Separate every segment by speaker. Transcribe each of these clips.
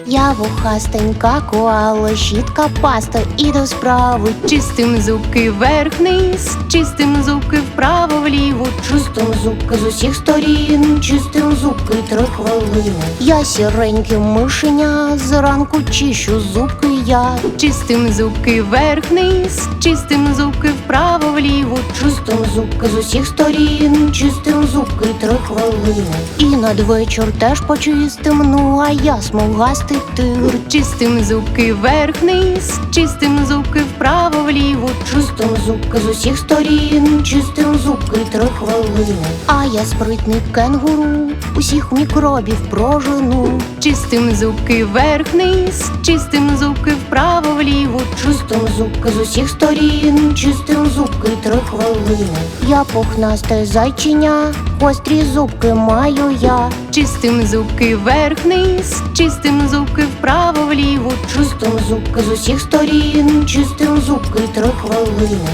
Speaker 1: Я вухастенька коала, щітка, паста і до справи.
Speaker 2: Чистим зубки вверх-вниз, чистим зубки вправо-вліво.
Speaker 1: Чистим зубки з усіх сторін, чистим зубки 3 хвилини. Я сіреньке мишеня, зранку чищу зубки я.
Speaker 2: Чистим зубки вверх-вниз, чистим зубки вправо-вліво.
Speaker 1: Чистим зубки з усіх сторін, чистим зубки 3 хвилини. І надвечір теж почистим, ну а я смугастий тигр.
Speaker 2: Чистим зубки вверх-вниз, чистим зубки вправо-вліво.
Speaker 1: Чистим зубки з усіх сторін, чистим зубки 3 хвилини. А я спритний кенгуру, усіх мікробів прожену.
Speaker 2: Чистим зубки вверх-вниз, чистим зубки вправо-вліво.
Speaker 1: Чистим зубки з усіх сторін, чистим зубки 3 хвилини. Я пухнасте зайчиня, гострі зубки маю я.
Speaker 2: Чистим зубки вверх-вниз, чистим зубки вправо-вліво.
Speaker 1: Чистим зубки з усіх сторін, чистим зубки 3 хвилини.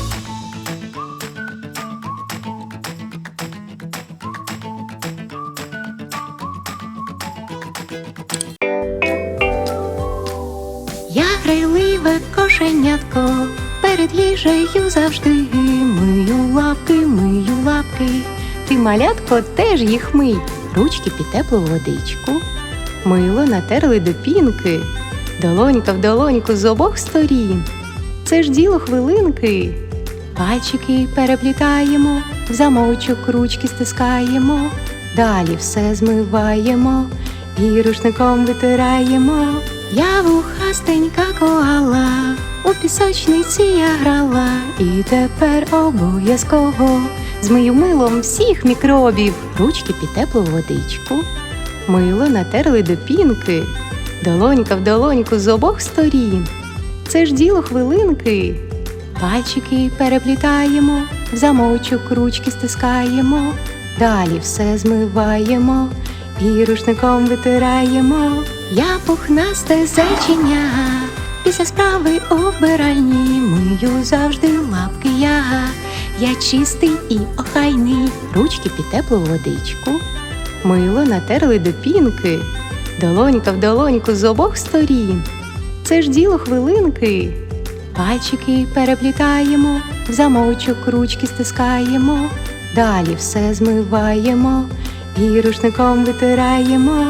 Speaker 2: Я грайливе кошенятко, перед їжею завжди мию лапки. Ти, малятко, теж їх мий, ручки під теплу водичку. Мило натерли до пінки, долонька в долоньку з обох сторін. Це ж діло хвилинки. Пальчики переплітаємо, в замочок ручки стискаємо. Далі все змиваємо і рушником витираємо. Я вухастенька коала, у пісочниці я грала. І тепер обов'язково змию милом всіх мікробів, ручки під теплу водичку. Мило натерли до пінки, долонька в долоньку з обох сторін. Це ж діло хвилинки. Пальчики переплітаємо, в замочок ручки стискаємо. Далі все змиваємо і рушником витираємо. Я пухнасте зайчиня, після справи обиральні мию завжди лапки я. Я чистий і охайний, ручки під теплу водичку. Мило натерли до пінки, долонька в долоньку з обох сторін. Це ж діло хвилинки. Пальчики переплітаємо, в замочок ручки стискаємо. Далі все змиваємо і рушником витираємо.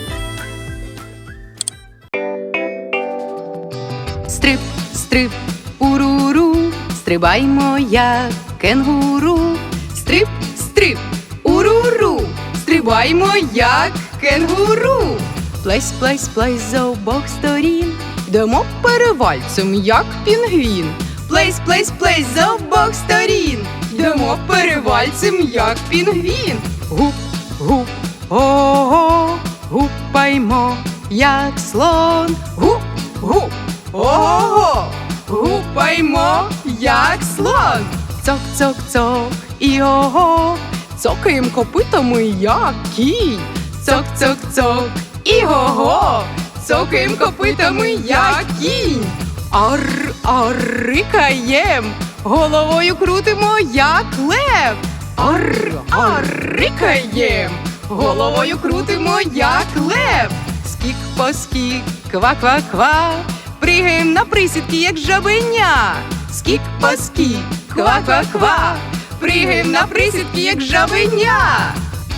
Speaker 2: Стрип, стрип, уруру, стрибаймо як кенгуру. Стрип, стрип, уруру, стрибаймо як кенгуру. Плесь, плесь, плесь з обох сторін, йдемо перевальцем як пінгвін. Плесь, плесь, плесь з обох сторін, йдемо перевальцем як пінгвін. Гуп, гуп, ого, гупаймо як слон. Гуп, гуп, ого, гупаймо як слон. Цок, цок, цок, і ого, цокаєм копитами як кінь. Цок, цок, цок, і ого, цокаєм копитами як кінь. Ар, ар, рикаєм, головою крутимо як лев. Ар, ар, рикаєм, головою крутимо як лев. Скік по скік, ква-ква-ква, пригаєм на присідки як жабеня. Скік по скік, ква-ква-ква, пригаєм на присідки як жабеня.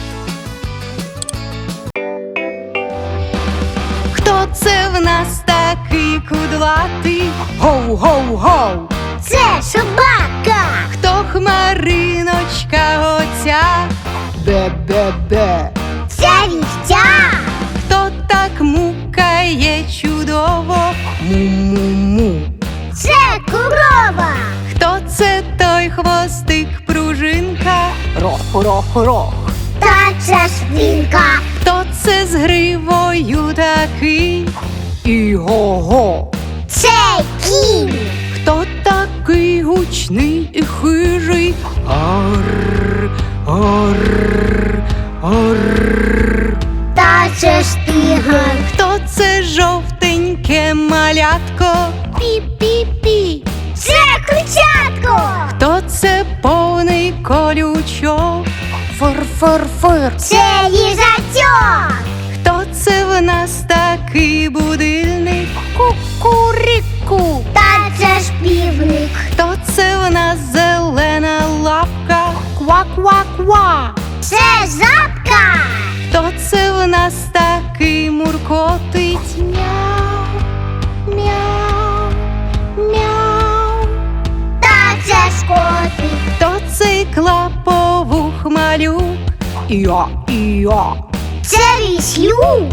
Speaker 2: Хто це в нас такий кудлатий? Гоу-гоу-гоу!
Speaker 1: Це собака!
Speaker 2: Хто хмариночка оця?
Speaker 1: Бе-бе-бе! Це вівця!
Speaker 2: Хто так мукає чудово? Му-му-му!
Speaker 1: Це корова!
Speaker 2: Хто це той хвостик пружинка? Рох-рох-рох!
Speaker 1: Та це свинка!
Speaker 2: Хто це з гривою такий? Іго-го!
Speaker 1: Це кінь!
Speaker 2: Хто такий гучний і хижий? Ар, ар, ар.
Speaker 1: Та це ж тигр!
Speaker 2: Хто це жовтеньке малятко?
Speaker 1: Пі-пі-пі! Це курчатко!
Speaker 2: Хто це повний колючок?
Speaker 1: Фур-фур-фур! Це їжачок!
Speaker 2: Хто це в нас такий
Speaker 1: Кукурику. Та це ж півник.
Speaker 2: Хто це в нас зелена лапка?
Speaker 1: Ква-ква-ква. Це жабка.
Speaker 2: Хто це в нас такий муркотить?
Speaker 1: Мяу, мяу, мяу. Та це ж котик.
Speaker 2: Хто цей клаповух малюк? Іа.
Speaker 1: Це віслюк.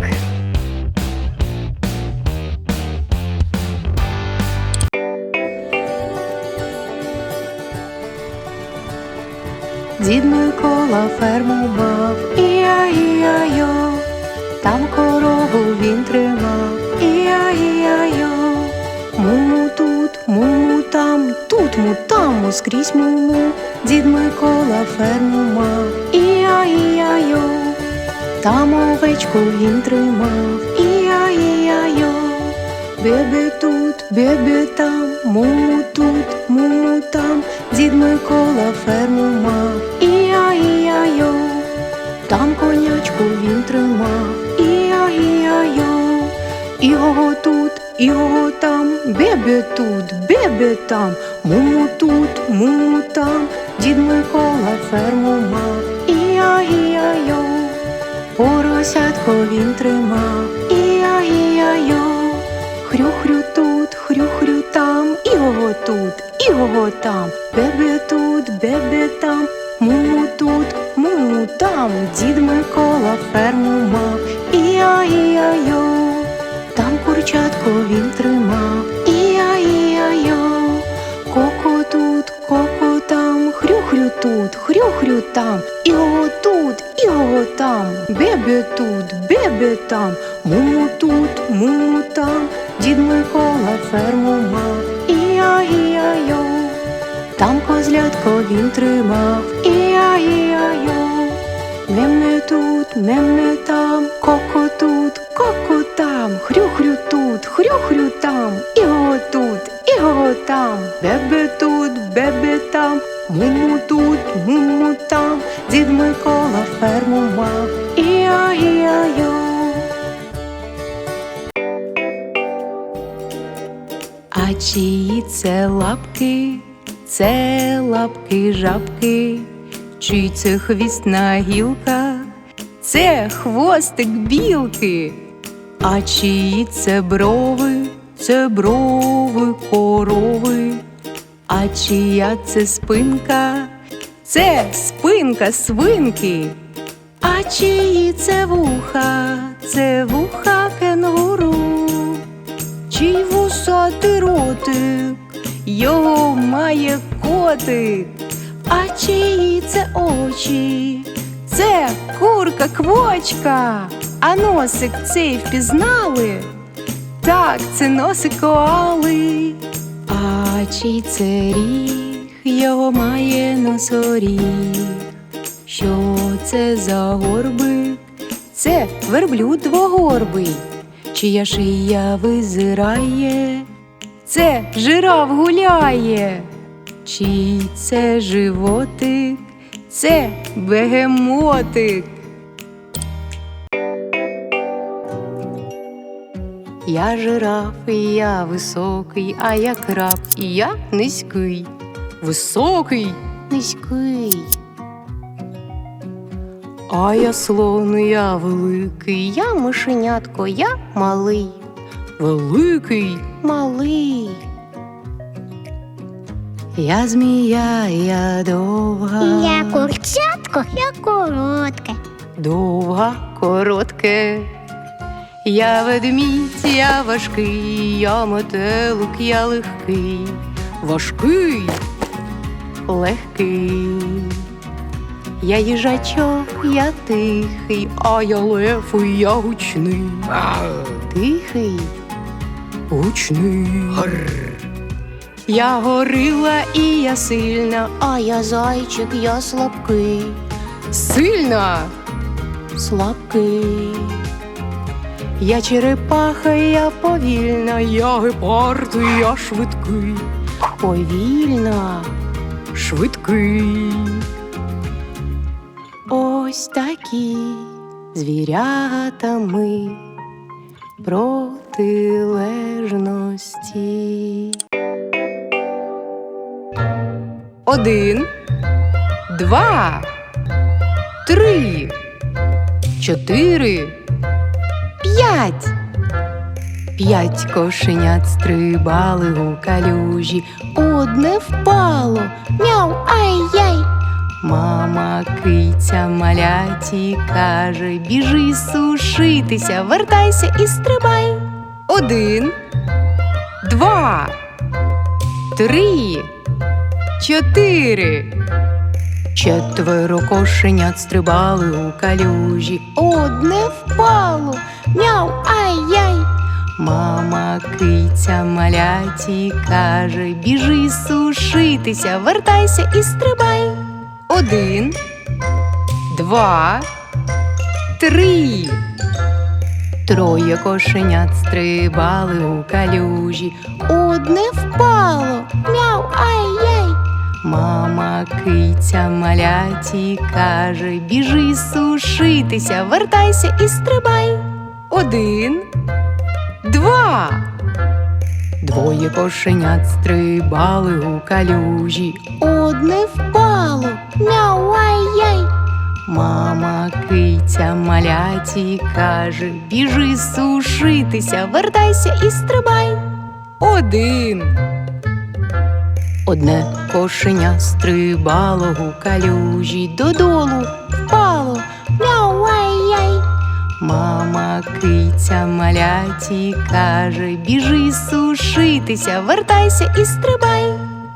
Speaker 2: Дід Микола ферму мав, іа-іа-йо, там корову він тримав, іа-іа-йо. Му-му тут, му-му там, тут му-там, скрізь му-му. Дід Микола ферму мав, іа-іа-йо, там овечку він тримав, іа-іа-йо. Бебе тут, бебе там, му тут, му там. Дід Микола ферму мав, іа-іа-йо, там конячку він тримав, іа-іа-йо. Іго тут, іго там, бебе тут, бебе там, му тут, му там. Дід Микола ферму мав, іа-іа-йо, поросятко він тримав, іа-іа-йо. Хрю-хрю тут, хрю-хрю там, іго тут, іго там, бебе тут, бебе там, му тут, му там. Дід Микола ферму мав, іа-іа-йо, там курчатко він тримав, іа-іа-йо. Коко тут, коко там, хрю-хрю тут, хрю-хрю там, іго тут, іго там, бебе тут, бебе там, му тут, му там. Дід Микола ферму мав, іа-іа-йо, там козлятко він тримав, іа-іа-йо. Меме тут, меме там, коко тут, коко там, хрю-хрю тут, хрю-хрю там, іго тут, іго там, бебе тут, бебе там, му тут, му там. Дід Микола ферму мав, іа-іа-йо. А чиї це лапки? Це лапки жабки. Чий це хвістна гілка? Це хвостик білки. А чиї це брови? Це брови корови. А чия це спинка? Це спинка свинки. А чиї це вуха? Це вуха кенгуру. Чий вусатий ротик? Його має котик. А чиї це очі? Це курка-квочка. А носик цей впізнали? Так, це носик коали. А чий це ріг? Його має носоріг. Що це за горбик? Це верблюд двогорбий. Чия шия визирає? Це жираф гуляє. Чий це животик? Це бегемотик. Я жираф, і я високий, а я краб, і я низький. Високий,
Speaker 1: Низький.
Speaker 2: а я слон, і я великий.
Speaker 1: Я мишенятко, я малий.
Speaker 2: Великий.
Speaker 1: Малий.
Speaker 2: Я змія, я довга.
Speaker 1: Я курчатко, я коротке.
Speaker 2: Довга, коротке. Я ведмідь, я важкий, я метелик, я легкий. Важкий, легкий. Я їжачок, я тихий, а я лев, і я гучний.
Speaker 1: Тихий.
Speaker 2: Гучний. Я горила, і я сильна.
Speaker 1: А я зайчик, я слабкий.
Speaker 2: Сильна.
Speaker 1: Слабкий.
Speaker 2: Я черепаха, я повільна, я гепард, я швидкий.
Speaker 1: Повільна.
Speaker 2: Швидкий.
Speaker 1: Ось такі звірята ми. Про
Speaker 2: протилежності. 1, 2, 3, 4, 5. 5 кошенят стрибали у калюжі.
Speaker 1: Одне впало, мяу, ай-яй.
Speaker 2: Мама киця маляті каже: біжи сушитися, вертайся і стрибай. 1, 2, 3, 4. 4 кошенят стрибали у калюжі.
Speaker 1: Одне впало, мяу, ай-яй.
Speaker 2: Мама киця маляті каже: біжи сушитися, вертайся і стрибай. 1, 2, 3. 3 кошенят стрибали у калюжі.
Speaker 1: Одне впало, мяу, ай-яй.
Speaker 2: Мама киця маляті каже: біжи сушитися, вертайся і стрибай. 1, 2. 2 кошенят стрибали у калюжі.
Speaker 1: Одне впало, мяу, ай-яй.
Speaker 2: Мама киця маляті каже: біжи сушитися, вертайся і стрибай. 1. Одне кошеня стрибало у калюжі. Додолу
Speaker 1: Впало, мяу, ай-яй.
Speaker 2: мама киця маляті каже: біжи сушитися, вертайся і стрибай.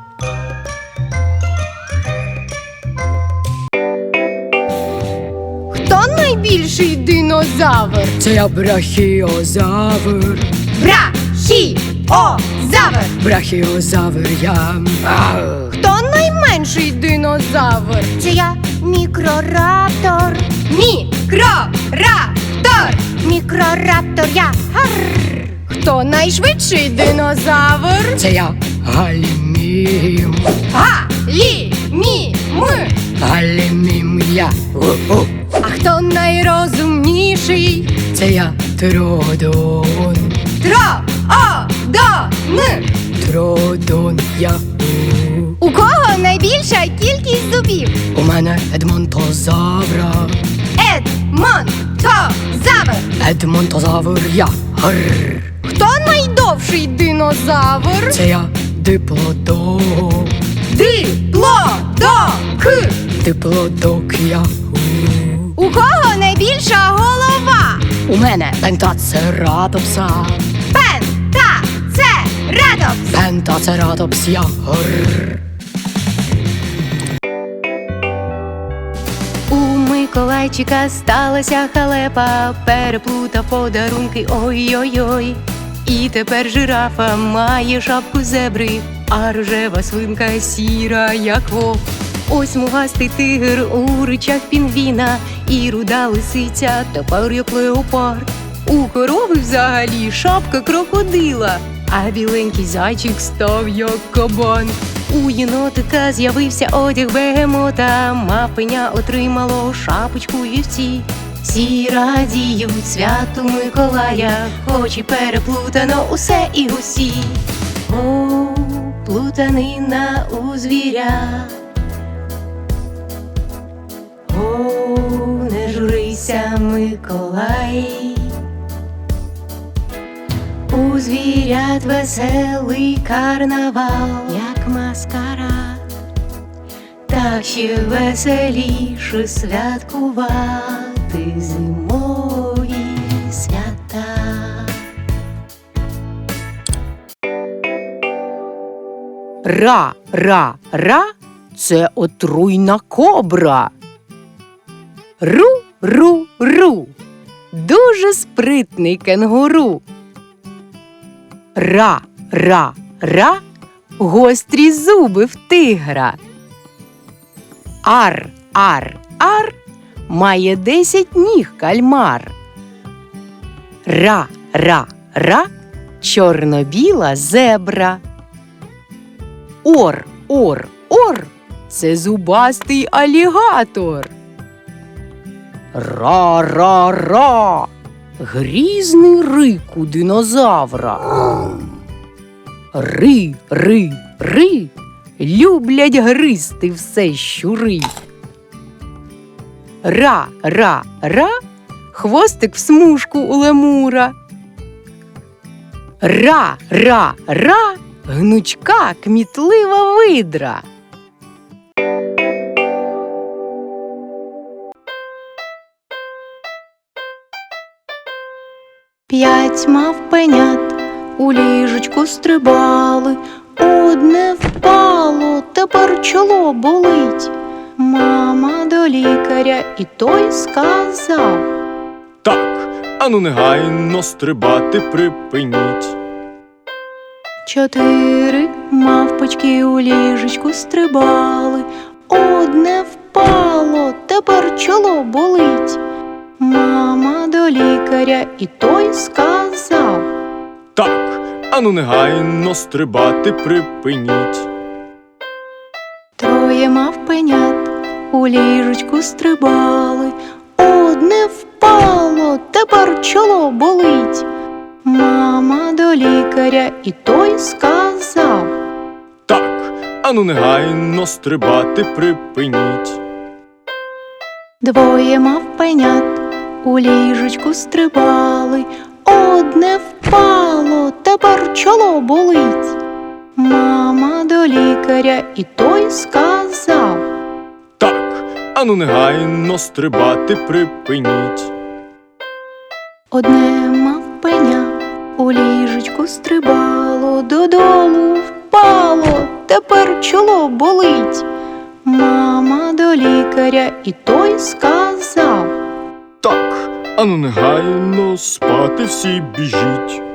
Speaker 1: Хто найбільший динозавр?
Speaker 2: Це я брахіозавр.
Speaker 1: Брахіозавр.
Speaker 2: Брахіозавр я.
Speaker 1: Хто найменший динозавр? Це я мікрораптор.
Speaker 2: Мікрораптор.
Speaker 1: Мікрораптор я. Гарр. Хто найшвидший динозавр?
Speaker 2: Це я галімім.
Speaker 1: Галімім.
Speaker 2: Галімім я.
Speaker 1: А хто найрозумніший?
Speaker 2: Це я Тродон.
Speaker 1: Тродон.
Speaker 2: Тродон я.
Speaker 1: У кого найбільша кількість зубів?
Speaker 2: У мене Едмонтозавра.
Speaker 1: Едмонтозавр.
Speaker 2: Едмонтозавр я. Гррр.
Speaker 1: Хто найдовший динозавр?
Speaker 2: Це я диплодок.
Speaker 1: Диплодок.
Speaker 2: Диплодок я.
Speaker 1: У кого найбільша голова?
Speaker 2: У мене пентацератопса.
Speaker 1: Пентацератопс.
Speaker 2: Пентацератопс я. Гррр. У Миколайчика сталася халепа, переплутав подарунки, ой-ой-ой. І тепер жирафа має шапку зебри, а рожева свинка сіра, як вовк. Ось смугастий тигр у ричах пінгвіна, і руда лисиця тепер як леопард. У корови взагалі шапка крокодила, а біленький зайчик став як кабан. У єнотика з'явився одяг бегемота, мавпеня отримало шапочку вівці. Всі радіють святу Миколая, хоч і переплутано усе і усі. О, плутанина у звірят. О, не журися, Миколай. У звірят веселий карнавал, як маскарад, так ще веселіше святкувати зимові свята. Ра-ра-ра – це отруйна кобра. Ру-ру-ру – дуже спритний кенгуру. Ра-ра-ра – гострі зуби в тигра. Ар-ар-ар – має 10 ніг кальмар. Ра-ра-ра – чорно-біла зебра. Ор-ор-ор – це зубастий алігатор. Ра-ра-ра грізний рик у динозавра. Ри, ри, ри, люблять гризти все щури. Ра, ра, ра, хвостик в смужку у лемура. Ра, ра, ра, гнучка кмітлива видра. П'ять мавпенят у ліжечку стрибали, одне впало, тепер чоло болить. Мама до лікаря, і той сказав:
Speaker 3: Так, ану негайно стрибати припиніть.
Speaker 2: Чотири мавпочки у ліжечку стрибали, одне впало, тепер чоло болить. Мама до лікаря, і той сказав:
Speaker 3: Так, ану негайно стрибати припиніть.
Speaker 2: Троє мавпенят у ліжечку стрибали, одне впало, тепер чоло болить. Мама до лікаря, і той сказав:
Speaker 3: Так, ану негайно стрибати припиніть.
Speaker 2: Двоє мавпенят у ліжечку стрибали, одне впало, тепер чоло болить. Мама до лікаря, і той сказав:
Speaker 3: Так, ану негайно стрибати припиніть.
Speaker 2: Одне мавпеня у ліжечку стрибало, додолу впало, тепер чоло болить. Мама до лікаря, і той сказав:
Speaker 3: Так, ану негайно спати всі біжіть.